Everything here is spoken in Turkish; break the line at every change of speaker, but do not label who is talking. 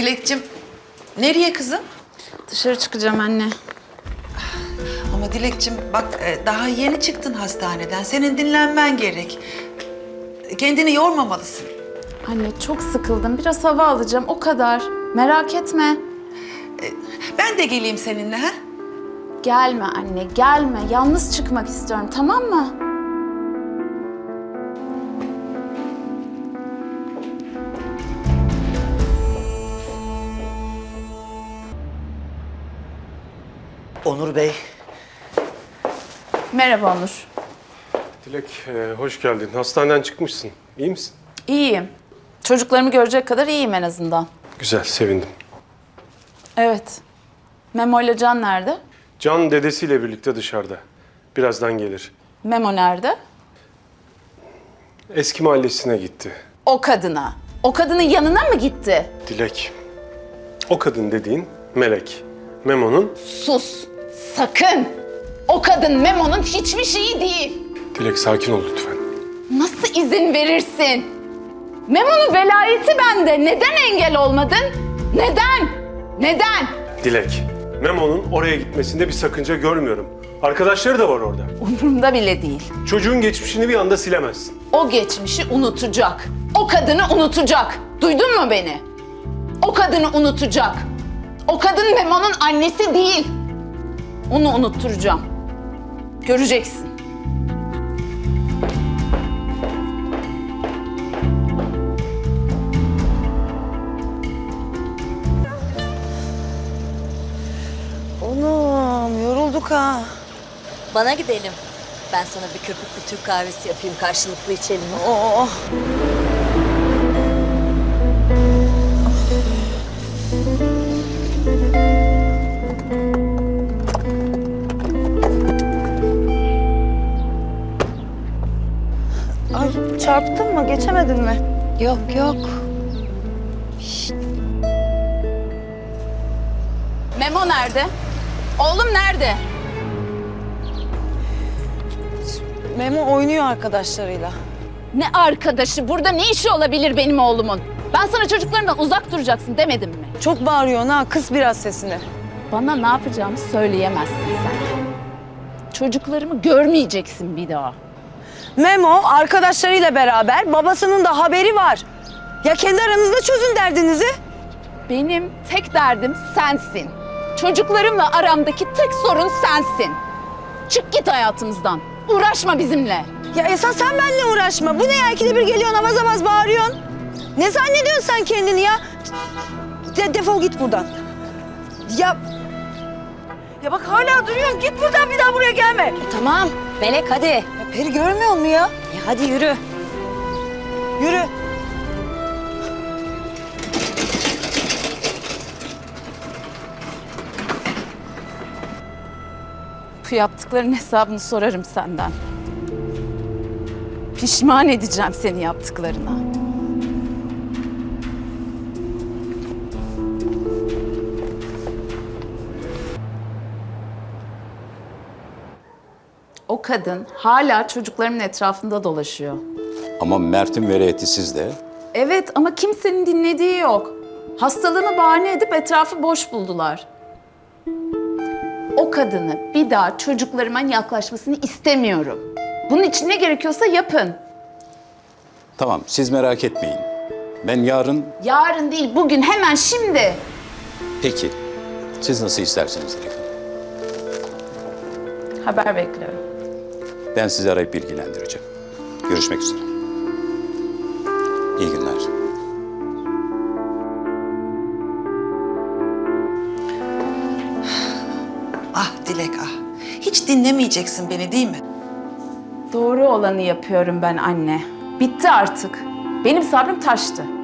Dilekçim, nereye kızım?
Dışarı çıkacağım anne.
Ama Dilekçim bak daha yeni çıktın hastaneden. Senin dinlenmen gerek. Kendini yormamalısın.
Anne çok sıkıldım. Biraz hava alacağım o kadar. Merak etme.
Ben de geleyim seninle ha?
Gelme anne gelme. Yalnız çıkmak istiyorum tamam mı?
Onur Bey,
Merhaba Onur.
Dilek, hoş geldin. Hastaneden çıkmışsın. İyi misin?
İyiyim. Çocuklarımı görecek kadar iyiyim en azından.
Güzel, sevindim.
Evet. Memo ile Can nerede?
Can dedesiyle birlikte dışarıda. Birazdan gelir.
Memo nerede?
Eski mahallesine gitti.
O kadına. O kadının yanına mı gitti?
Dilek, o kadın dediğin Melek. Memo'nun...
Sus. Sakın. O kadın Memo'nun hiçbir şeyi değil.
Dilek, sakin ol lütfen.
Nasıl izin verirsin? Memo'nun velayeti bende. Neden engel olmadın? Neden? Neden?
Dilek, Memo'nun oraya gitmesinde bir sakınca görmüyorum. Arkadaşları da var orada.
Umurumda bile değil.
Çocuğun geçmişini bir anda silemezsin.
O geçmişi unutacak. O kadını unutacak. Duydun mu beni? O kadını unutacak. O kadın Memo'nun annesi değil. Onu unutturacağım. Göreceksin.
oğlum yorulduk ha.
Bana gidelim. Ben sana bir köpüklü Türk kahvesi yapayım, karşılıklı içelim.
Oh. Ay çarptın mı? Geçemedin mi?
Yok yok.
Memo nerede? Oğlum nerede?
Memo oynuyor arkadaşlarıyla.
Ne arkadaşı? Burada ne işi olabilir benim oğlumun? Ben sana çocuklarımdan uzak duracaksın demedim mi?
Çok bağırıyorsun ha. Kıs biraz sesini.
Bana ne yapacağımı söyleyemezsin sen. Çocuklarımı görmeyeceksin bir daha.
Memo arkadaşlarıyla beraber babasının da haberi var. Ya kendi aranızda çözün derdinizi.
Benim tek derdim sensin. Çocuklarımla aramdaki tek sorun sensin. Çık git hayatımızdan. Uğraşma bizimle.
Ya esas sen benimle uğraşma. Bu ne ya? İkide bir geliyorsun avaz avaz bağırıyorsun. Ne zannediyorsun sen kendini ya? Defol git buradan. Ya bak hala duruyorsun. Git buradan bir daha buraya gelme.
Tamam, Melek hadi.
Ya Peri görmüyor musun ya?
Hadi yürü.
Yürü.
Bu yaptıkların hesabını sorarım senden. Pişman edeceğim seni yaptıklarına. O kadın hala çocuklarımın etrafında dolaşıyor.
Ama Mert'in velayeti sizde.
Evet ama kimsenin dinlediği yok. Hastalığımı bahane edip etrafı boş buldular. O kadını bir daha çocuklarıma yaklaşmasını istemiyorum. Bunun için ne gerekiyorsa yapın.
Tamam, siz merak etmeyin. Ben yarın...
Yarın değil, bugün, hemen şimdi.
Peki, siz nasıl isterseniz Dilek Hanım.
Haber bekliyorum.
Ben sizi arayıp bilgilendireceğim. Görüşmek üzere. İyi günler.
Ah Dilek ah. Hiç dinlemeyeceksin beni değil mi?
Doğru olanı yapıyorum ben anne. Bitti artık. Benim sabrım taştı.